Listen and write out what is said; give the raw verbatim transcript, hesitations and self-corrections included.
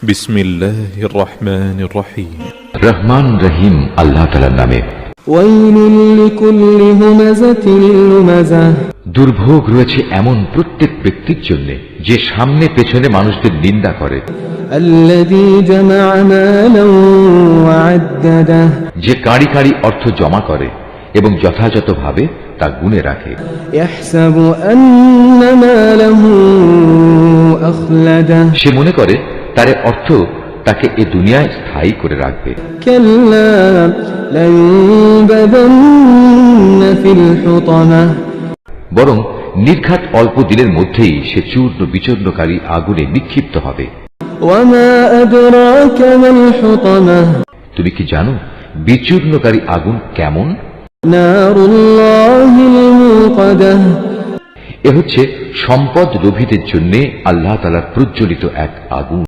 বিসমিল্লাহির রহমানির রহিম। রহমান রহিম আল্লাহ তাআলার নামে। ওয়াইলুল লিকুল্লি হুমাযাতিল লুমাযাহ। দুর্ভোগ রয়েছে এমন প্রত্যেক ব্যক্তির জন্য যে সামনে পেছনে মানুষদের নিন্দা করে। আল্লাযী জামাআ মালান ওয়া আদ্দাদাহ। যে কাঁড়ি কাঁড়ি অর্থ জমা করে এবং যথাযথভাবে তা গুণে রাখে। ইয়াহসাবু আন্না মালাহু আখলাদাহ। সে মনে করে তার অর্থ তাকে এ দুনিয়ায় স্থায়ী করে রাখবে। কাল্লা লায়ুনবাযান্না ফিল হুতামাহ। বরং নির্ঘাত অল্প দিনের মধ্যেই সে চূর্ণ বিচূর্ণকারী আগুনে নিক্ষিপ্ত হবে। ওয়ামা আদরাকা মাল হুতামাহ। তুমি কি জানো বিচূর্ণকারী আগুন কেমন? নারুল্লাহিল মুকাদাহ। এ হচ্ছে সম্পদ লোভীদের জন্য আল্লাহ তাআলার প্রজ্বলিত এক আগুন।